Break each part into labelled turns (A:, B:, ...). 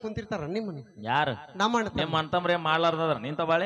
A: ಕುಂತಿರ್ತಾರ ನಿಮ್ಮನ್ನ
B: ಯಾರು
A: ನಮ್ಮ ಅಣ್ಣ
B: ನಿಮ್ಮ ಅಂತಂಬ್ರೆ ಮಾಡ್ಲಾರ್ದದ್ರ ನಿಂತ ಬಾಳೆ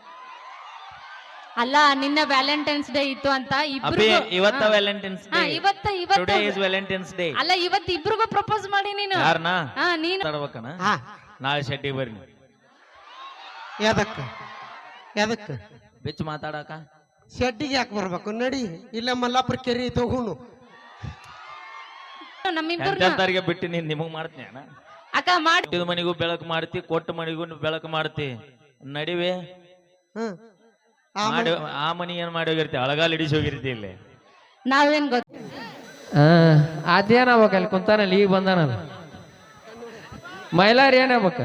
C: ಅಲ್ಲ ನಿನ್ನ ವ್ಯಾಲೆಂಟೈನ್ಸ್ ಡೇ ಇತ್ತು ಅಂತ
B: ಅಪ್ಪಿ
C: ಇಬ್ರಿಗೂ
B: ಇವತ್ತ ವ್ಯಾಲೆಂಟೈನ್ಸ್ ಡೇ
C: ಇವತ್ತ
B: ಟುಡೇ
C: ಇವತ್ತು
B: ಇಸ್ ವ್ಯಾಲೆಂಟೈನ್ಸ್ ಡೇ
C: ಅಲ್ಲ ಇವತ್ತು ಇಬ್ರಿಗೂ ಪ್ರಪೋಸ್ ಮಾಡಿ ನೀನು
B: ಯಾರನ
C: ನೀನು
B: ಮಾತಾಡ್ಬೇಕನ
A: ಹಾ
B: ನಾಳೆ ಶೆಟ್ಟಿಗೆ ಬರ್ರಿ
A: ಯಾದಕ್ಕ ಯಾದಕ್ಕ
B: ಬಿಚ್ಚ ಮಾತಾಡಕ
A: ಶೆಡ್ಡಿಗೆ ಯಾಕೆ ಬರ್ಬೇಕು ನಡಿ ಇಲ್ಲ ಮಲ್ಲಾಪುರ ಕೆರಿ ತಗೋನು
C: ನಮ್ಮಿಬ್ಬರನ್ನ
B: ಎಂತೆಂತರಿಗೆ ಬಿಟ್ಟು ನೀನ್ ನಿಮಗ್ ಮಾಡ್ತೀನಿ ಅಣ್ಣ
C: ಅಕ್ಕ ಮಾಡಿ
B: ಇದು ಮನಿಗೂ ಬೆಳಕು ಮಾಡ್ತಿ ಕೊಟ್ಟ ಮನಿಗೂ ಬೆಳಕು ಮಾಡ್ತಿ ನಡಿವೆ
A: ಹ್ಮ್
B: ಮಾಡಿ ಆ ಮನಿ ಏನ್ ಮಾಡಿ ಹೋಗಿರ್ತಿ ಅಳಗಾಲ್ ಹಿಡಿಸಿ ಹೋಗಿರ್ತಿ ಇಲ್ಲಿ
C: ನಾವೇನ್ ಗೊತ್ತ
D: ಅದೇನಾಗ್ಬೇಕು ಅಲ್ಲಿ ಕುಂತಾನಲ್ಲಿ ಈಗ ಬಂದಾನಲ್ಲ ಮೈಲಾರಿ ಏನಾಗ್ಬೇಕ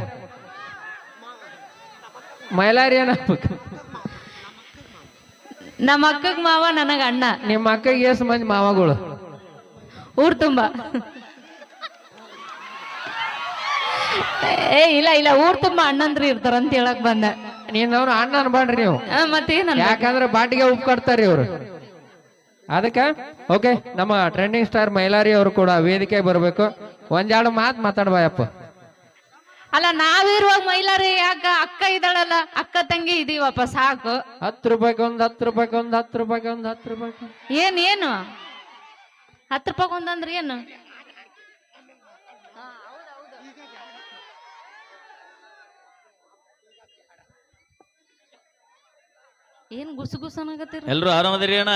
D: ಮೈಲಾರಿ ಏನಾಗ್ಬೇಕು
C: ನಮ್ಮ ಅಕ್ಕಗ್ ಮಾವ ನನಗ ಅಣ್ಣ
D: ನಿಮ್ಮ ಅಕ್ಕಗೆ ಎಷ್ಟು ಮಂದಿ ಮಾವಗಳು
C: ಊರ್ ತುಂಬಾ ಇಲ್ಲ ಇಲ್ಲ ಊರ್ ತುಂಬಾ ಅಣ್ಣಂದ್ರು ಇರ್ತಾರ ಅಂತ ಹೇಳಕ್ ಬಂದ
D: ನೀನವ್ರು ಅಣ್ಣ ಅನ್ಬಾಡ್ರಿ ನೀವು
C: ಮತ್ತೇನ
D: ಯಾಕಂದ್ರೆ ಬಾಟಿಗೆ ಉಪ್ಪು ಕಟ್ತಾರ್ರಿ ಅವ್ರು ಅದಕ್ಕ ಓಕೆ ನಮ್ಮ ಟ್ರೆಂಡಿಂಗ್ ಸ್ಟಾರ್ ಮೈಲಾರಿ ಅವರು ಕೂಡ ವೇದಿಕೆ ಬರ್ಬೇಕು ಒಂದೆರಡು ಮಾತು ಮಾತಾಡ್ಬಾಯಪ್ಪ
C: ಅಲ್ಲ ನಾವಿರುವಾಗ ಮೈಲಾರಿ ಯಾಕ ಅಕ್ಕ ಇದ್ದಾಳಲ್ಲ ಅಕ್ಕ ತಂಗಿ ಇದೀವಪ್ಪ ಸಾಕು
D: 10 ರೂಪಾಯಿಗೆ ಒಂದು 10 ರೂಪಾಯಿಗೆ ಒಂದು 10 ರೂಪಾಯಿಗೆ ಒಂದು 10 ರೂಪಾಯಿಗೆ
C: ಏನು 10 ರೂಪಾಯಿ ಒಂದಂದ್ರೆ ಏನು ಏನ್ ಗುಸುಗುಸನಾಗತ್ತೀರ
B: ಎಲ್ರು ಆರಾಮದಿರಿ ಅಣ್ಣ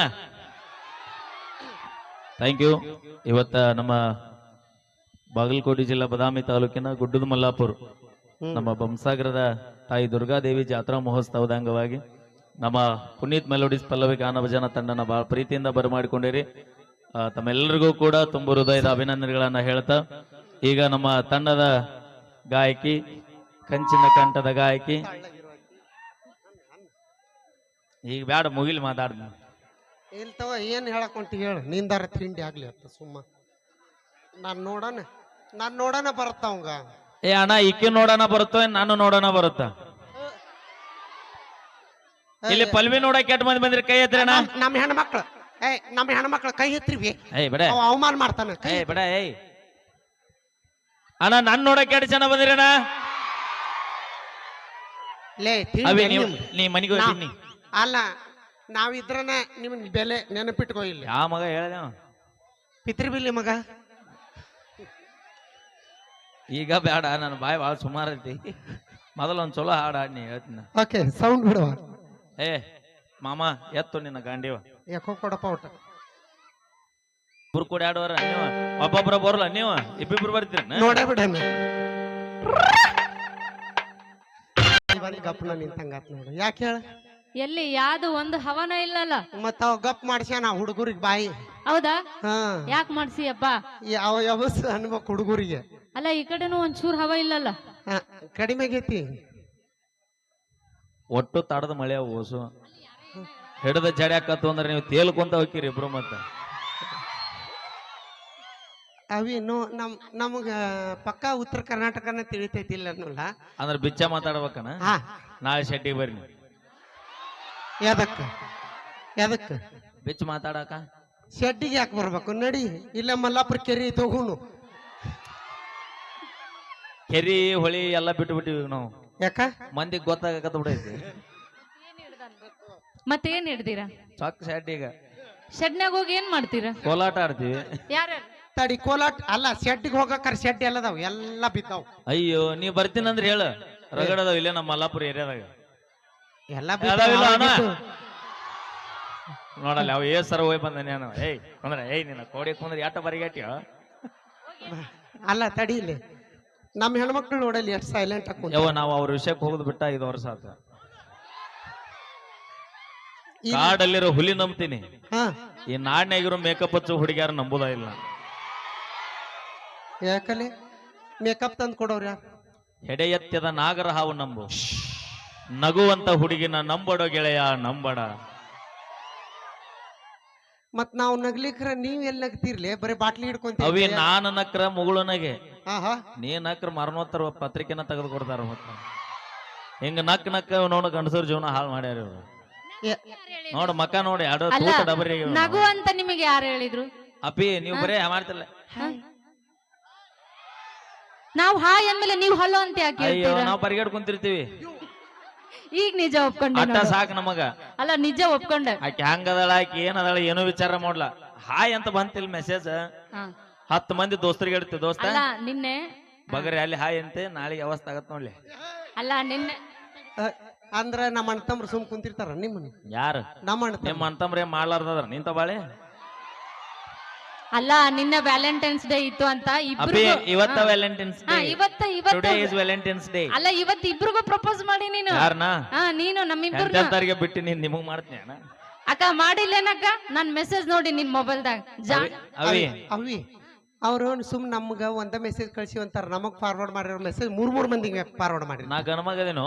B: ಥ್ಯಾಂಕ್ ಯು ಇವತ್ತ ನಮ್ಮ ಬಾಗಲಕೋಟೆ ಜಿಲ್ಲಾ ಬದಾಮಿ ತಾಲೂಕಿನ ಗುಡ್ಡದ ಮಲ್ಲಾಪುರ ನಮ್ಮ ಬೊಮ್ಮಸಾಗರದ ತಾಯಿ ದುರ್ಗಾದೇವಿ ಜಾತ್ರಾ ಮಹೋತ್ಸವದ ಅಂಗವಾಗಿ ನಮ್ಮ ಪುನೀತ್ ಮೆಲೋಡಿಸ್ ಪಲ್ಲವಿ ಗಾನ ಭಜನ ತಂಡನ ಬಹಳ ಪ್ರೀತಿಯಿಂದ ಬರಮಾಡಿಕೊಂಡಿರಿ ತಮ್ಮೆಲ್ಲರಿಗೂ ಕೂಡ ತುಂಬ ಹೃದಯದ ಅಭಿನಂದನೆಗಳನ್ನ ಹೇಳ್ತಾ ಈಗ ನಮ್ಮ ತಂಡದ ಗಾಯಕಿ ಕಂಚಿನ ಕಂಠದ ಗಾಯಕಿ ಈಗ ಬ್ಯಾಡ ಮುಗಿಲ್ ಮಾತಾಡ್
A: ಇಲ್ತವ ಏನ್ ಹೇಳಕ್ ಹೊಂಟಿ ಹೇಳು ನಿಂದಾರ ತಿಂಡಿ ಆಗ್ಲಿ ಅತ್ತ ಸುಮ್ಮ ನಾನ್ ನೋಡೋಣ ಬರತ್ತಾವಂಗ
B: ಏ ಅಣ್ಣ ಇಕ್ಕಿ ನೋಡೋಣ ಬರುತ್ತೋ ನಾನು ನೋಡೋಣ ಬರುತ್ತಾ ಇಲ್ಲಿ ಪಲ್ವಿ ನೋಡಕ್ ಕೆಟ್ಟ ಮಂದಿ ಬಂದ್ರಿ ಕೈ ಎತ್ತಿರಿ ಅಣ್ಣ
A: ನಮ್ಮ ಹೆಣ್ಮಕ್ಳು ನಮ್ಮ ಹೆಣ್ಮಕ್ಳು ಕೈ ಎತ್ತಿರಿವಿ
B: ಏಯ್ ಬಿಡ
A: ಅವ ಅವಮಾನ ಮಾಡ್ತಾನ
B: ಏಯ್ ಬಿಡ ಏಯ್ ಅಣ್ಣ ನನ್ ನೋಡಕ್ ಕೆಟ್ಟ ಜನ ಬಂದಿರಿ ಅಣ್ಣ
A: ಲೇ
B: ಅವಿ
A: ತಿಂಡಿ
B: ನೀ ಮನಿಗೆ ಹೋಗ್ತೀನಿ
A: ಅಲ್ಲ ನಾವಿದ್ರನ ನಿಮ್ ಬೆಲೆ ನೆನಪಿಟ್ಕೋ ಇಲ್ಲಿ
B: ಯಾವ ಮಗ ಹೇಳ್ದ
A: ಪಿತ್ರಿ ಬಿಲ್ಲಿ ಮಗ
B: ಈಗ ಬೇಡ ನನ್ನ ಬಾಯಿ ಭಾಳ ಸುಮಾರು ಐತಿ ಮೊದಲ ಒಂದ್ ಚಲೋ ಹಾಡು ಹಾಡ್ನಿ ಹೇಳ್ತೀನಿ
A: ಓಕೆ ಸೌಂಡ್ ಬಿಡುವ
B: ಏ ಮಾಮ ಎತ್ತು ನಿನ್ನ ಗಾಂಡಿವ
A: ಯಾಕೋ ಕೊಡಪ್ಪ ಊಟ
B: ಇಬ್ರು ಕೂಡ ಆಡುವಾರ ನೀವು ಒಬ್ಬೊಬ್ರ ಬರಲ್ಲ ನೀವು ಇಬ್ಬಿಬ್ರು ಬರ್ತೀರ
A: ನೋಡೇ ಬಿಡಣ ಗಪ್ನ ನಿಂತಂಗಾತ್ ನೋಡು ಯಾಕೆ ಹೇಳ
C: ಎಲ್ಲಿ ಯಾವ್ದು ಒಂದು ಹವನ ಇಲ್ಲಲ್ಲ
A: ಮತ್ತ ಅವ ಗಪ್ ಮಾಡ್ಸ್ಯಾನ ಹುಡುಗರಿಗೆ ಬಾಯಿ
C: ಹೌದಾ
A: ಹಾ
C: ಯಾಕೆ ಮಾಡ್ಸಿಯಪ್ಪ
A: ಅವ ಯಾವಸ್ ಅನ್ಬೇಕು ಹುಡುಗರಿಗೆ
C: ಅಲ್ಲ ಈ ಕಡೆನೂ ಒಂಚೂರ್ ಹವ ಇಲ್ಲಲ್ಲ
A: ಕಡಿಮೆ ಆಗೈತಿ
B: ಒಟ್ಟು ತಡದ ಮಳೆ ಓಸು ಹಿಡದ ಜಡ್ಯಾಕತ್ತು ಅಂದ್ರೆ ನೀವು ತೇಲ್ಕೊಂತ ಹೋಗ್ತೀರಿ ಇಬ್ರು ಮತ್ತ
A: ಅವಿನ್ನು ನಮಗ ಪಕ್ಕ ಉತ್ತರ ಕರ್ನಾಟಕನ ತಿಳಿತೈತಿಲ್ಲ ಅನ್ನೋಲ್ಲ
B: ಅಂದ್ರೆ ಬಿಚ್ಚ ಮಾತಾಡ್ಬೇಕನ
A: ಹಾ
B: ನಾಳೆ ಶೆಟ್ಟಿಗೆ ಬರ್ರಿ ನೀವು
A: ಯಾದಕ್ಕ
B: ಬಿಚ್ಚ ಮಾತಾಡಕ
A: ಶೆಡ್ಡಿಗೆ ಯಾಕೆ ಬರ್ಬೇಕು ನಡಿ ಇಲ್ಲ ಮಲ್ಲಾಪುರ ಕೆರಿ ತಗೋನು
B: ಕೆರಿ ಹೊಳಿ ಎಲ್ಲ ಬಿಟ್ಟು ಬಿಟ್ಟಿವಿ ನಾವು
A: ಯಾಕ
B: ಮಂದಿಗೆ ಗೊತ್ತಾಗತ್ತ ಬಿಡೈತಿ
C: ಮತ್ತೇನ್ ಹಿಡ್ದೀರಾ
B: ಚೊಕ್ಕ ಶೆಡ್ಡಿಗ
C: ಶೆಡ್ನಾಗ ಹೋಗಿ ಏನ್ ಮಾಡ್ತೀರಾ
B: ಕೋಲಾಟ ಆಡ್ತೀವಿ
C: ಯಾರು
A: ತಡಿ ಕೋಲಾಟ್ ಅಲ್ಲ ಶೆಡ್ಡಿಗೆ ಹೋಗಕ್ಕಾರ ಶೆಡ್ ಎಲ್ಲದಾವ್ ಎಲ್ಲ ಬಿದ್ದಾವ್
B: ಅಯ್ಯೋ ನೀ ಬರ್ತೀನಂದ್ರೆ ಹೇಳ ರಗಡದಾವ ಇಲ್ಲೇ ನಮ್ಮ ಮಲ್ಲಾಪುರ ಏರಿಯಾದಾಗ
A: ಎಲ್ಲ
B: ಅದಾವಿಲ್ಲ ಅಣ್ಣ? ನೋಡಲ್ಲ ಅವ ಸರ ಹೋಗಿ ಬಂದ ನಾನು ಏಯ್ ಅಂದ್ರೆ ಏಯ್ ನಿನ್ನ ಕೋಡಿ ಕುಂದ್ರೆ ಯಾಟ ಬರಿಗಾಟಿಯ
A: ಅಲ್ಲ ತಡಿ ಇಲ್ಲಿ ನಮ್ಮ ಹೆಣ್ಮಕ್ಳು ನೋಡಲಿ ಎಷ್ಟು ಸೈಲೆಂಟ್
B: ಯವ ನಾವು ಅವ್ರ ವಿಷಯಕ್ಕೆ ಹೋಗುದು ಬಿಟ್ಟ 5 ವರ್ಷ ಆತ ಕಾಡಲ್ಲಿರೋ ಹುಲಿ ನಂಬ್ತೀನಿ
A: ಹಾ
B: ಈ ನಾಡ್ನಾಗಿರೋ ಮೇಕಪ್ ಹಚ್ಚು ಹುಡುಗಿಯಾರ ನಂಬುದ ಇಲ್ಲ
A: ಯಾಕಲೆ ಮೇಕಪ್ ತಂದು ಕೊಡೋರ
B: ಹೆಡೆ ಎತ್ತದ ನಾಗರ ಹಾವು ನಂಬು ನಗುವಂತ ಹುಡುಗಿನ ನಂಬಡೋ ಗೆಳೆಯ ನಂಬಡ
A: ಮತ್ ನಾವು ನಗ್ಲಿಕ್ರ ನೀವ್ ಎಲ್ಲಿ ನಗ್ತಿರ್ಲಿ ಬರೀ ಬಾಟ್ಲಿ
B: ಅವಿ
A: ಹಿಡ್ಕೊಂತೀವಿ
B: ನಾನು ನಕ್ರ ಮುಗುಳನಗೆ
A: ಆಹಾ
B: ನೀ ನಕ್ರ ಮರಣೋತ್ತರ ಪತ್ರಿಕೆನ ತೆಗೆದು ಕೊಡ್ತಾರ ಮತ್ತ ಹಿಂಗ ನಕ್ ನೋಡ ಗಂಡಸರ ಜೀವನ ಹಾಳು ಮಾಡ್ಯಾರ ಇವ್ರು ನೋಡು ಮಕ್ಕ ನೋಡಿ ಎರಡು
C: ಅಲ್ಲ
B: ತೂಕ ಡಬರಿ
C: ನಗು ಅಂತ ನಿಮಗೆ ಯಾರು ಹೇಳಿದ್ರು
B: ಅಪ್ಪಿ ನೀವು ಬರೇ ಮಾಡ್ತಿಲ್ಲ
C: ನಾವ್ ಹಾಯ್ ಅಂದ್ಮೇಲೆ ನೀವ್ ಹಲೋ ಅಂತ ಯಾಕೆ
B: ಅಯ್ಯೋ
C: ಹೇಳ್ತೀರಾ?
B: ನಾವ್ ಪರಿಗಡ್ ಕುಂತಿರ್ತೀವಿ
C: ಈಗ ನಿಜ ಒಪ್ಕೊಂಡೆ
B: ಅಟ್ಟ
C: ನೋಡು.
B: ಸಾಕ್ ನಮಗ.
C: ಅಲ್ಲ ನಿಜ ಒಪ್ಕೊಂಡೆ.
B: ಆಕೆ ಹಂಗದಳ ಆಕಿ ಏನದಳ ಏನೋ ವಿಚಾರ ಮಾಡ್ಲ. ಹಾಯ್ ಅಂತ ಬಂತಿಲ್ ಮೆಸೇಜ್.
C: ಹಾ.
B: 10 ಮಂದಿ ದೋಸ್ತರಿಗೆ ಹೇಳ್ತಿ ದೋಸ್ತ
C: ಅಲ್ಲ ನಿನ್ನೆ
B: ಬಗರಿ ಅಲ್ಲಿ ಹಾಯ್ ಅಂತೆ ನಾಳೆಗೆ ಅವಸ್ಥೆ ಆಗತ್ ನೋಡ್ಲಿ.
C: ಅಲ್ಲ ನಿನ್ನೆ
A: ಅಂದ್ರ ನಮ್ಮ ಅಣ್ಣ ತಮ್ರು ಸುಮ್ ಕುಂತಿರ್ತಾರ ನಿಮ್ಮನ್ನ
B: ಯಾರು
A: ನಮ್ಮ ಅಣ್ಣ
B: ನಿಮ್ಮ ಅಂತಂಬ್ರೆ ಮಾಡ್ಲಾರ್ದದ್ರ ನಿಂತ ಬಾಳೆ.
C: ಅಲ್ಲ ನಿನ್ನೆ ವ್ಯಾಲೆಂಟೈನ್ಸ್ ಡೇ ಇತ್ತು ಅಂತ
B: ಅಪ್ಪಿ
C: ಇಬ್ರಿಗೂ
B: ಇವತ್ತ ವ್ಯಾಲೆಂಟೈನ್ಸ್
C: ಹಾ,
B: ಡೇ.
C: ಇವತ್ತ
B: ಟುಡೇ ಇಸ್ ವ್ಯಾಲೆಂಟೈನ್ಸ್ ಡೇ.
C: ಅಲ್ಲ ಇವತ್ತು ಇಬ್ರಿಗೂ ಪ್ರಪೋಸ್ ಮಾಡಿ ನೀನು.
B: ಯಾರನ
C: ಹಾ ನೀನು ನಮ್ಮಿಬ್ರು
B: ಎಂತೆಂತವ್ರಿಗೆ ಬಿಟ್ಟು ನೀನ್ ನಿಮಗ್ ಮಾಡ್ತೀನಿ ಅಣ್ಣ.
C: ಅಕ್ಕ ಮಾಡಿಲ್ಲೇನಕ್ಕ ನನ್ ಮೆಸೇಜ್ ನೋಡಿ ನಿನ್ ಮೊಬೈಲ್ದಾಗ
B: ಅವಿ
A: ಅವಿ ಅವ್ರು ಸುಮ್ ನಮ್ಗ ಒಂದ ಮೆಸೇಜ್ ಕಳ್ಸಿ ಅಂತಾರ, ನಮಗ್ ಫಾರ್ವರ್ಡ್ ಮಾಡಿರೋ ಮೆಸೇಜ್ 3 ಮಂದಿಗೆ ಫಾರ್ವರ್ಡ್ ಮಾಡಿರಿ.
B: ನಾ ಗಣಮಗದೇನು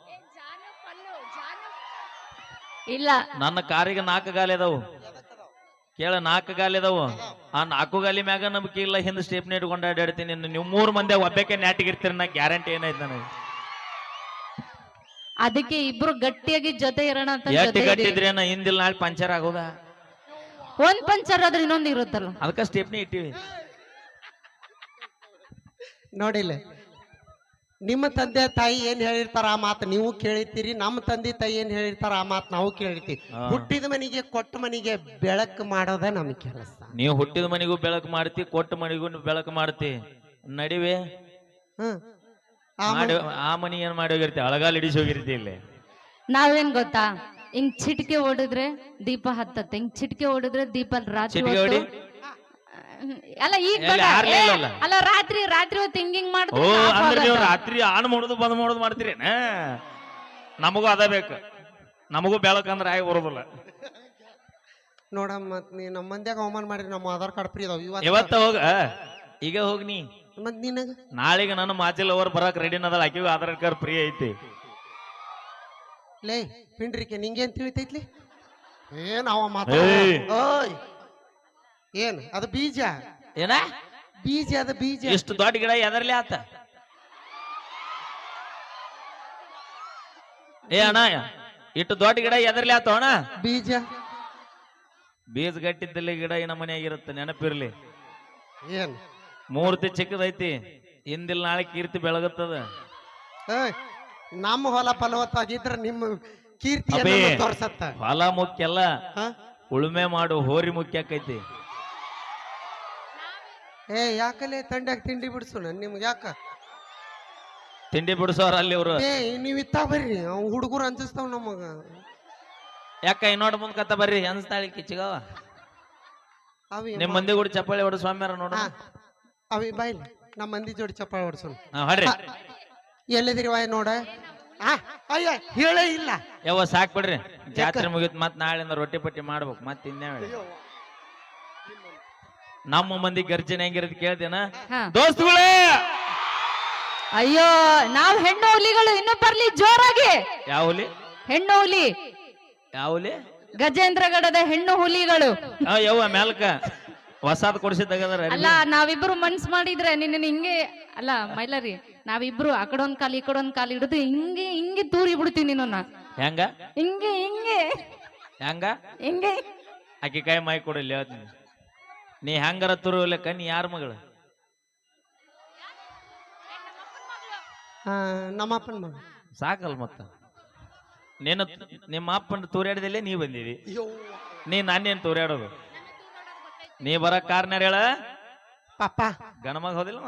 C: ಇಲ್ಲ
B: ನನ್ನ ಕಾರಿಗೆ 4 ಗಾಲಿ ಅದಾವು ಕೇಳ. 4 ಗಾಲಿ ಅದಾವು. ಆ 4 ಗಾಲಿ ಮ್ಯಾಗ ನಂಬಿಕೆ ಇಲ್ಲ. ಹಿಂದ್ ಸ್ಟೇಪ್ನಿ ಇಟ್ಕೊಂಡು ಅಡ್ಡಾಡ್ತೀನಿ. ನೀವು 3 ಮಂದಿ ಒಬ್ಬಕ್ಕೆ ನ್ಯಾಟಿಗಿರ್ತೀರಿ. ನಾ ಗ್ಯಾರಂಟಿ ಏನೈತೆ ನನಗೆ.
C: ಅದಕ್ಕೆ ಇಬ್ರು ಗಟ್ಟಿಯಾಗಿ ಜೊತೆ ಇರೋಣ ಅಂತ
B: ಎಷ್ಟು
C: ಜೊತೆ
B: ಗಟ್ಟಿದ್ರಿ ನಾ ಹಿಂದಿಲ್ ನಾಳೆ ಪಂಚರ್ ಆಗೋದ.
C: ಒಂದ್ ಪಂಚರ್ ಆದ್ರೆ ಇನ್ನೊಂದ್ ಇರುತ್ತಲ್ಲ.
B: ಅದಕ್ಕ ಸ್ಟೇಪ್ನಿ ಇಟ್ಟಿವಿ.
A: ನೋಡಿಲ್ಲ, ನಿಮ್ಮ ತಂದೆ ತಾಯಿ ಏನ್ ಹೇಳಿರ್ತಾರ ಆ ಮಾತು ನೀವು ಕೇಳಿರ್ತೀರಿ, ನಮ್ಮ ತಂದೆ ತಾಯಿ ಏನ್ ಹೇಳಿರ್ತಾರ ಆ ಮಾತು ನಾವು ಕೇಳಿರ್ತೀವಿ. ಹುಟ್ಟಿದ ಮನಿಗೆ ಕೊಟ್ಟ ಮನಿಗೆ ಬೆಳಕು ಮಾಡೋದ ನಮ್ ಕೆಲಸ.
B: ನೀವು ಹುಟ್ಟಿದ ಮನಿಗೂ ಬೆಳಕು ಮಾಡ್ತಿ, ಕೊಟ್ಟ ಮನಿಗೂ ಬೆಳಕು ಮಾಡ್ತಿ. ನಡಿವೆ
A: ಹ್ಮ್
B: ಆ ಮನಿ ಏನ್ ಮಾಡಿ ಹೋಗಿರ್ತಿ, ಅಳಗಾಲ್ ಹಿಡಿಸಿ ಹೋಗಿರ್ತಿ. ಇಲ್ಲಿ
C: ನಾವೇನ್ ಗೊತ್ತಾ, ಹಿಂಗ್ ಚಿಟಿಕೆ ಓಡಿದ್ರೆ ದೀಪ ಹತ್ತತ್ತೆ, ಹಿಂಗ್ ಚಿಟಿಕೆ ಓಡಿದ್ರೆ ದೀಪ ರಾತ್ರಿ
B: ಚಿಟಿಕೆ
C: ಹೊತ್ತು
B: ಹೊಡಿ?
C: ಅಲ್ಲ ಈಗ
B: ಎಲ್ಲಿ
C: ಬೇಡ.
B: ಆರ್ಲಿಲ್ಲಲ್ಲ?
C: ಅಲ್ಲ ರಾತ್ರಿ ಹೊತ್ತು ಹಿಂಗಿಂಗ್
B: ಓ
C: ಮಾಡಿದ್ರೆ
B: ಅಂದ್ರೆ ನೀವು ರಾತ್ರಿ ಆನ್ ಮಾಡೋದು ಬಂದ್ ಮಾಡೋದು ಮಾಡ್ತೀರಿ. ನಮಗೂ ಅದ ಬೇಕು. ನಮಗೂ ಬೆಳಕಂದ್ರೆ ಆಗಿ ಬರೋದಿಲ್ಲ.
A: ನೋಡಮ್ಮ ಮತ್ ನೀ ನಮ್ಮ ಮಂದ್ಯಾಗ ಅವಮಾನ ಮಾಡಿರಿ. ನಮ್ಮ ಆಧಾರ್ ಕಾರ್ಡ್ ಫ್ರೀ ಅದಾವ
B: ಇವತ್ತ ಹೋಗ, ಈಗ ಹೋಗ್ ನೀ.
A: ಮತ್ ನಿನಗ
B: ನಾಳೆಗೆ ನನ್ನ ಮಾಚಿಲ್ ಅವ್ರು ಬರಕ್ ರೆಡಿ ಅದಲ್ಲ. ಆಕಿಗೂ ಆಧಾರ್ ಕಾರ್ಡ್ ಫ್ರೀ ಐತಿ.
A: ಲೇ ಪಿಂಡ್ರಿಕೆ ನಿಂಗೇನ್ ತಿಳಿತೈತ್ಲಿ? ಏನ್ ಅವ ಮಾತ
B: ಏಯ್.
A: ಏನ್ ಅದು ಬೀಜ
B: ಏನ
A: ಬೀಜ ಅದ ಬೀಜ.
B: ಇಷ್ಟು ದೊಡ್ಡ ಗಿಡ ಎದರ್ಲಿ ಆತ? ಏ ಅಣ್ಣ ಇಷ್ಟು ದೊಡ್ಡ ಗಿಡ ಎದರ್ಲಿ ಆತ ಅಣ್ಣ?
A: ಬೀಜ
B: ಬೀಜ ಗಟ್ಟಿದ್ದಲ್ಲಿ ಗಿಡ ಈ ನಮ್ಮನೆಯಾಗಿರುತ್ತೆ. ನೆನಪಿರ್ಲಿ.
A: ಏನ್
B: ಮೂರ್ತಿ ಚಿಕ್ಕದೈತಿ. ಹಿಂದಿಲ್ ನಾಳೆ ಕೀರ್ತಿ ಬೆಳಗುತ್ತದ.
A: ಏಯ್, ನಮ್ಮ ಹೊಲ ಫಲವತ್ತಾಗಿದ್ರ ನಿಮ್ಮ ಕೀರ್ತಿ
B: ಅಬೇ.
A: ತೋರ್ಸತ್ತ.
B: ಹೊಲ ಮುಖ್ಯ ಅಲ್ಲ,
A: ಹ?
B: ಉಳುಮೆ ಮಾಡು ಹೋರಿ ಮುಖ್ಯ ಆಕೈತಿ.
A: ಏ ಯಾಕಲೆ ತಂಡ್ಯಾಗ ತಿಂಡಿ ಬಿಡ್ಸು ನಿಮ್ಗೆ ಯಾಕ?
B: ತಿಂಡಿ ಬಿಡಿಸೋರ ಅಲ್ಲಿ ಇವ್ರು.
A: ಏ ನೀವ್ ಇತ್ತ ಬರ್ರಿ, ಅವ್ ಹುಡುಗರು ಅಂಜಿಸ್ತಾವ್ ನಮಗ.
B: ಯಾಕ ಇನ್ನೋಡ್ ಮುಂದ್ ಕತ್ತ ಬರ್ರಿ ಅನ್ಸ್ತಾಳಿ ಕಿಚ್ಚಿಗವ.
A: ಅವಿ
B: ನಿಮ್ ಮಂದಿ ಕೂಡ ಚಪ್ಪಾಳಿ ಹೊಡ ಸ್ವಾಮ್ಯಾರ ನೋಡ.
A: ಅವಿ ಬಾಯ್ಲಿ ನಮ್ಮ ಮಂದಿ ಜೋಡಿ ಚಪ್ಪಾಳೆ ಹೊಡ್ಸೋಣ.
B: ಹೊಡ್ರಿ.
A: ಎಲ್ಲಿದಿರಿ ವಾಯ್ ನೋಡ. ಅಯ್ಯ ಹೇಳೇ ಇಲ್ಲ.
B: ಯಾವ ಸಾಕ್ ಬಿಡ್ರಿ. ಜಾತ್ರೆ ಮುಗಿತ್ ಮತ್ ನಾಳೆಯಿಂದ ರೊಟ್ಟಿ ಪಟ್ಟಿ ಮಾಡ್ಬೇಕು. ಮತ್ ಇನ್ನೇ ನಮ್ಮ ಮಂದಿ ಗರ್ಜನೆ ಹೆಂಗಿರೋದು ಕೇಳ್ತೇನ
C: ಹಾ.
B: ದೋಸ್ತುಗಳೇ?
C: ಅಯ್ಯೋ ನಾವ್ ಹೆಣ್ಣು ಹುಲಿಗಳು ಇನ್ನು ಬರ್ಲಿ ಜೋರಾಗಿ.
B: ಯಾವ ಹುಲಿ?
C: ಹೆಣ್ಣು ಹುಲಿ,
B: ಯಾವ ಹುಲಿ?
C: ಗಜೇಂದ್ರಗಡದ ಹೆಣ್ಣು ಹುಲಿಗಳು.
B: ಯವ್ವ ಮ್ಯಾಲ್ಕ ಹೊಸಾದ್ ಕೊಡಿಸಿದ್ದಾಗದಾರ.
C: ಅಲ್ಲ ನಾವಿಬ್ರು ಮನ್ಸ್ ಮಾಡಿದ್ರೆ ನಿನ್ನ ಹಿಂಗೆ ಅಲ್ಲ ಮೈಲಾರಿ, ನಾವಿಬ್ರು ಆ ಕಡೊಂದ್ ಕಾಲು ಈ ಕಡೊಂದ್ ಕಾಲು ಹಿಡಿದು ಹಿಂಗೆ ಹಿಂಗೆ ತೂರಿ ಬಿಡ್ತೀವಿ ನಿನ್ನ.
B: ಹೆಂಗ
C: ಹಿಂಗೆ ಹಿಂಗೆ
B: ಹೆಂಗ
C: ಹಿಂಗೆ.
B: ಆಕಿ ಕೈ ಮೈ ಕೊಡಿಲ್ಲ. ನೀ ಹೆಂಗಾರ ತುರುವಲೆಕ್ಕ. ನೀ ಯಾರ ಮಗಳು?
A: ನಮ್ಮಪ್ಪನ ಮಗ.
B: ಸಾಕಲ್ ಮತ್ತ. ನೀನು ನಿಮ್ಮ ಅಪ್ಪನ ತೂರ್ಯಾಡದಲ್ಲೇ ನೀ ಬಂದಿದಿ. ನೀ ನಾನೇನ್ ತೂರ್ಯಾಡೋದು? ನೀ ಬರಕ್ ಕಾರಣ ಹೇಳ.
A: ಪಾಪ
B: ಗಣಮಗ ಹೋದಿಲ್ಲವ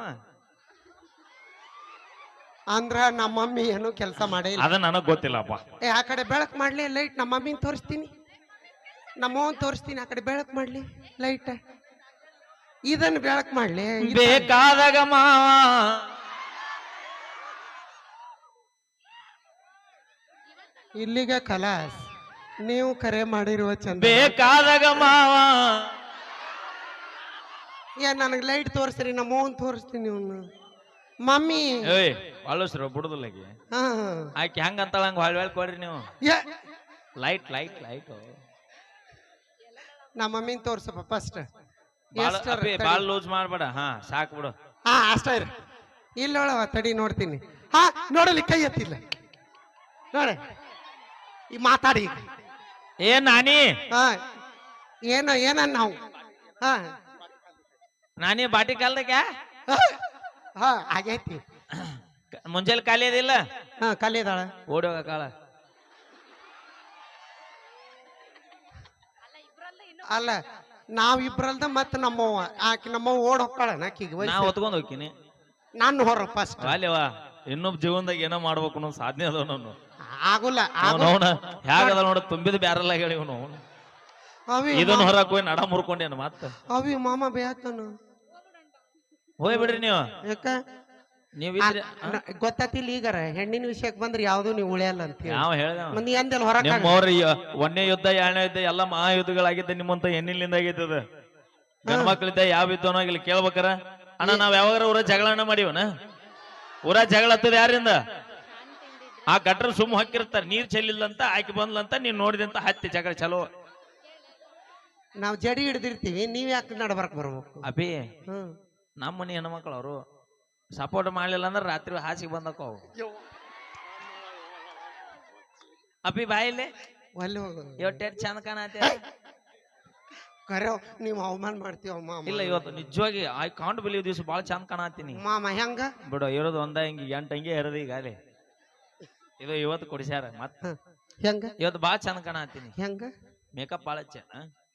A: ಅಂದ್ರ ನಮ್ಮ ಮಮ್ಮಿ ಏನು ಕೆಲಸ ಮಾಡೇ ಇಲ್ಲ.
B: ಅದ ನನಗ್ ಗೊತ್ತಿಲ್ಲಪ್ಪ.
A: ಏ ಆ ಕಡೆ ಬೆಳಕ್ ಮಾಡ್ಲಿ ಲೈಟ್. ನಮ್ಮ ಮಮ್ಮಿನ ತೋರಿಸ್ತೀನಿ, ನಮ್ಮವನ್ ತೋರಿಸ್ತೀನಿ. ಆ ಕಡೆ ಬೆಳಕ್ ಮಾಡ್ಲಿ ಲೈಟ್. ಇದನ್ನ ಬೆಳಕ್ ಮಾಡ್ಲಿ.
B: ಬೇಕಾದಾಗ ಮಾವ
A: ಇಲ್ಲಿಗೆ ಖಲಾಸ್. ನೀವು ಕರೆ ಮಾಡಿರುವ ಚಂದ.
B: ಬೇಕಾದಾಗ ಮಾವ
A: ಏನ್ ನನಗ್ ಲೈಟ್ ತೋರಿಸ್ರಿ, ನಮ್ಮವನ್ ತೋರಿಸ್ತೀನಿ. ಇವ್ನು ಮಮ್ಮಿ
B: ಏಯ್ ಅಳಸ್ರು ಬಿಡುದಿಲ್ಲ ಆಕಿ.
A: ಹಾ
B: ಆಕಿ ಹೆಂಗ ಅಂತಾಳ ಹಂಗ ಹೊಳ್ ಕೊಡ್ರಿ ನೀವು.
A: ಏ,
B: ಲೈಟ್ ಲೈಟ್ ಲೈಟ್
A: ನಮ್ಮ ಮಮ್ಮಿನ ತೋರ್ಸಪ್ಪ ಫಸ್ಟ್.
B: ಬಾಳ ಲೂಸ್ ಮಾಡ್ಬೇಡ. ಹಾ ಸಾಕ್ ಬಿಡು.
A: ಹಾ ಅಷ್ಟ ಇರ. ಇಲ್ಲೊಳವ ತಡಿ ನೋಡ್ತೀನಿ. ಹಾ ನೋಡಲಿ ಕೈ ಎತ್ತಿಲ್ಲ ನೋಡ. ಈ ಮಾತಾಡಿ
B: ಏನ್ ನಾನಿ?
A: ಹಾ ಏನ ನಾವು. ಹಾ
B: ನಾನಿ ಬಾಟಿ ಕಾಲ್ದಾಗ
A: ಹಾ ಆಗೈತಿ.
B: ಮುಂಜಾನೆ ಖಾಲಿ ಅದಿಲ್ಲ
A: ಹಾ ಕಲಿದಾಳ.
B: ಓಡಿ ಹೋಗ ಕಾಳ.
A: ಅಲ್ಲ ನಾವಿಬ್ರಲ್ದ ಮತ್ತ ನಮ್ಮವ್ವ ಆಕಿ ನಮ್ಮವ್ವ ಓಡ್ ಹೊಕ್ಕಾಳನ ಆಕಿಗೆ
B: ನಾ
A: ವಯಸ್ಸು.
B: ಹೊತ್ಕೊಂಡ್ ಹೋಗ್ತೀನಿ
A: ನಾನು ಹೊರ ಫಸ್ಟ್
B: ಅಲ್ಲೇವಾ ಇನ್ನೊಬ್ಬ ಜೀವನದಾಗ ಏನೋ ಮಾಡ್ಬೇಕು ಅನ್ನೋ ಸಾಧನೆ ಅದ ನಾನು
A: ಆಗುಲ್ಲ
B: ಅವನವನ ಹೇಗದ ನೋಡ ತುಂಬಿದ ಬ್ಯಾರಲ್ಲ ಹೇಳಿ ಇವನು
A: ಅವಿ
B: ಇದನ್ನ ಹೊರಕ್ ಹೋಗಿ ನಡ ಮುರ್ಕೊಂಡೇನು ಮತ್ತ
A: ಅವಿ ಮಾಮ ಬೇಯತ್ತಾನ.
B: ಹೋಯ್ ಬಿಡ್ರಿ ನೀವು
A: ಯಾಕ
B: ನೀವಿದ್ರಿ
A: ಗೊತ್ತಾತಿಲ್ಲ ಈಗಾರ ಹೆಣ್ಣಿನ ವಿಷಯಕ್ಕೆ ಬಂದ್ರೆ ಯಾವ್ದು ನೀವು ಉಳಿಯಲ್ಲ ಅಂತ ಹೇಳಿ
B: ಯಾವ ಹೇಳ್ದ
A: ಮಂದಿ ಅಂದೆಲ್ಲ ಹೊರಕ
B: ನಿಮ್ಮವ್ರ ಒಂದನೇ ಯುದ್ಧ ಎರಡನೇ ಯುದ್ಧ ಎಲ್ಲ ಮಹಾಯುದ್ಧಗಳಾಗಿದ್ದ ನಿಮ್ಮಂತ ಹೆಣ್ಣಿನಿಂದ ಆಗೈತದ ಗಂಡ್ಮಕ್ಳಿದ್ದ ಯಾವ ಯುದ್ಧನೋ ಇಲ್ಲಿ ಕೇಳ್ಬೇಕಾರ ಅಣ್ಣ ನಾವ್ ಯಾವಾಗ ಊರ ಜಗಳನ ಮಾಡಿವನ ಊರ ಜಗಳ ಹತ್ತದ ಯಾರಿಂದ ಆ ಗಟ್ರ ಸುಮ್ಮ ಹಾಕಿರ್ತಾರ ನೀರ್ ಚೆಲ್ಲಿಲ್ಲಂತ ಆಕಿ ಬಂದ್ಲಂತ ನೀನ್ ನೋಡಿದಂತ ಹತ್ತಿ ಜಗಳ ಚಲೋ
A: ನಾವ್ ಜಡಿ ಹಿಡ್ದಿರ್ತೀವಿ ನೀವ್ ಯಾಕೆ ನಡ್ಬರ್ಕ್ ಬರ್ಬೇಕು.
B: ಅಭಿ
A: ಹ್ಮ್
B: ನಮ್ಮ ಮನೆ ಹೆಣ್ಮಕ್ಳು ಅವರು ಸಪೋರ್ಟ್ ಮಾಡ್ಲಿಲ್ಲ ಅಂದ್ರೆ ರಾತ್ರಿ ಹಾಸಿಗೆ ಬಂದಕ್ಕ ಅವು ಅಭಿ ಬಾಯಿಲೆ
A: ಅಲ್ಲಿ ಹೋಗೋದು
B: ಇವತ್ತು ಚಂದ ಕಾಣತ್ತೆ
A: ಕರೆ ನೀವ್ ಅವಮಾನ ಮಾಡ್ತೀವ ಮಾಮ.
B: ಇಲ್ಲ ಇವತ್ತು ನಿಜವಾಗಿ ಐ ಕಾಂಟ್ ಬಿಲೀವ್ ದಿವ್ಸ ಬಾಳ ಚಂದ ಕಾಣತ್ತೀನಿ
A: ಮಾಮ ಹೆಂಗ
B: ಬಿಡು ಇರೋದು ಒಂದ ಹಿಂಗಿ ಎಂಟು ಹಂಗೆ ಇರೋದು ಈಗ ಅಲ್ಲಿ ಇದು ಇವತ್ತು ಕೊಡಿಸ್ಯಾರ ಮತ್ತ
A: ಹೆಂಗ
B: ಇವತ್ತು ಬಾಳ ಚಂದ ಕಾಣತ್ತೀನಿ
A: ಹೆಂಗ
B: ಮೇಕಪ್ ಬಾಳ ಚೆನ್ನ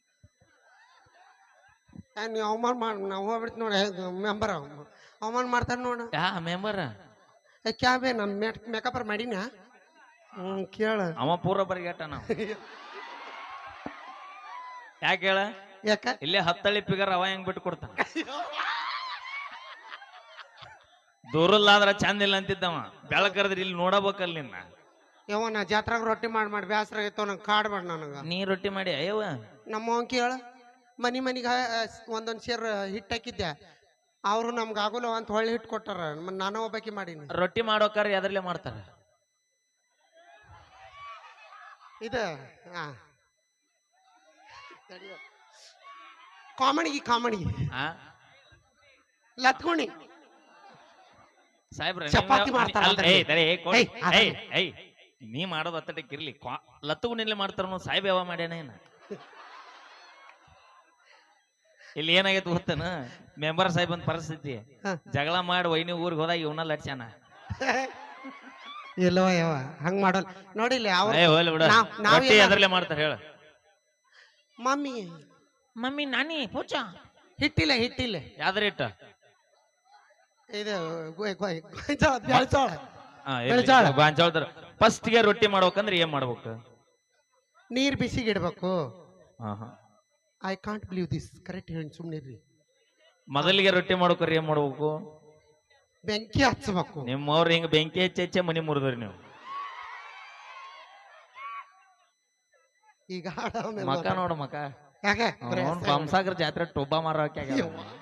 A: ನೀವ್ ಅವಮಾನ ಮಾಡ್ ನಾವ್ ಹೋಗ್ಬಿಡ್ತಿ ನೋಡ ಮೆಂಬರ್ ಅವಮಾನ ಮಾಡ್ತಾರ ನೋಡ.
B: ಯಾ ಮೆಂಬರ್
A: ಕ್ಯಾಬೆ ನಮ್ ಮೇಕಪ್ ಮಾಡಿನ ಕೇಳ
B: ಅವ ಪೂರ ಬರಿಗೆಟ್ಟ ನಾವು ಯಾಕೆ ಹೇಳ
A: ಯಾಕ
B: ಇಲ್ಲೇ ಹತ್ತಳ್ಳಿ ಪಿಗರ್ ಅವ ಹೆಂಗ್ ಬಿಟ್ಟು ಕೊಡ್ತಾನ ದೂರಲ್ಲಾದ್ರ ಚಂದ ಇಲ್ಲ ಅಂತಿದ್ದವ ಬೆಳಕರದ್ರಿ ಇಲ್ಲಿ ನೋಡಬೇಕಲ್ಲ ನಿನ್ನ
A: ಯಾವ ನಾ ಜಾತ್ರಾಗ ರೊಟ್ಟಿ ಮಾಡಿ ಬ್ಯಾಸರ ಆಗೈತವ ನಂಗೆ ಕಾಡ್ಬೇಡ ನನಗ.
B: ನೀ ರೊಟ್ಟಿ ಮಾಡಿ ಅಯ್ಯವ
A: ನಮ್ಮ ಕೇಳ ಮನಿಗೆ ಒಂದೊಂದ್ ಸೇರ್ ಹಿಟ್ಟು ಹಾಕಿದ್ದೆ ಅವ್ರು ನಮ್ಗೆ ಆಗೋಲ್ಲ ಅಂತ ಹೊಳ್ಳಿ ಹಿಟ್ಟು ಕೊಟ್ಟಾರ ನಾನು ಒಬ್ಬಾಕಿ ಮಾಡೀನಿ.
B: ರೊಟ್ಟಿ ಮಾಡೋಕಾರ ಎದ್ರಲ್ಲೇ ಮಾಡ್ತಾರ
A: ಇದು ಕಾಮಿಡಿ
B: ಆ
A: ಲತ್ಗುಣಿ
B: ಸಾಹೇಬ್ರ
A: ಚಪಾತಿ ಮಾಡ್ತಾರ ಅದ್ರಲ್ಲಿ.
B: ನೀ ಮಾಡೋದು ಅತ್ತಟಕ್ಕೆ ಇರ್ಲಿ ಲತ್ತಗು ನಿನ್ಲೆ ಮಾಡ್ತಾರ ಸಾಹೇಬ್ ಯಾವ ಮಾಡ್ಯಾನ ಏನ ಇಲ್ಲಿ ಏನಾಗೈತೆ ಗೊತ್ತನ ಮೆಂಬರ್ ಸಾಹೇಬ್ ಅಂತ ಪರಿಸ್ಥಿತಿ ಜಗಳ ಮಾಡಿ ವೈನಿ ಊರಿಗೆ ಹೋದಾಗ ಇವನ ಲಟ್ಸ್ಯಾನ
A: ಇಲ್ಲವ ಯಾವ ಹಂಗ್ ಮಾಡೋಲ್ಲ ನೋಡಿಲ್ಲ
B: ಹೋಗ್ಲಿ ಬಿಡ ರೊಟ್ಟಿ ಎದ್ರಲ್ಲೇ ಮಾಡ್ತಾರ ಹೇಳ
A: ಮಮ್ಮಿ
B: ಮಮ್ಮಿ ನಾನಿ ಪೂಜ
A: ಹಿಟ್ಟಿಲ್ಲ
B: ಯಾವ್ದ್ರ ಇಟ್ಟ
A: ಇದು ಬೆಳ್ಜೋಳ.
B: ಗಾಂಜಾಳದ್ರ ಫಸ್ಟ್ಗೆ ರೊಟ್ಟಿ ಮಾಡ್ಬೇಕಂದ್ರೆ ಏನ್ ಮಾಡ್ಬೇಕು
A: ನೀರ್ ಬಿಸಿಗೆ ಇಡ್ಬೇಕು.
B: ಹಾ ಹಾ
A: I can't believe this correct ಹೇಳಿ ಸುಮ್ನಿರ್ರಿ.
B: ಮೊದಲಿಗೆ ರೊಟ್ಟಿ ಮಾಡ್ಬೇಕ್ರಿ ಏನ್ ಮಾಡ್ಬೇಕು
A: ಬೆಂಕಿ ಹಚ್ಚಬೇಕು.
B: ನಿಮ್ಮವ್ರ ಹಿಂಗ ಬೆಂಕಿ ಹೆಚ್ಚೆ ಮನಿ ಮುರಿದ್ರಿ ನೀವು
A: ಈಗ
B: ಮಕ ನೋಡು ಮಕ
A: ಯಾಕೆ
B: ಬಂಸಾಗರ ಜಾತ್ರೆ ಟೊಬ್ಬ ಮಾರೋಕೆ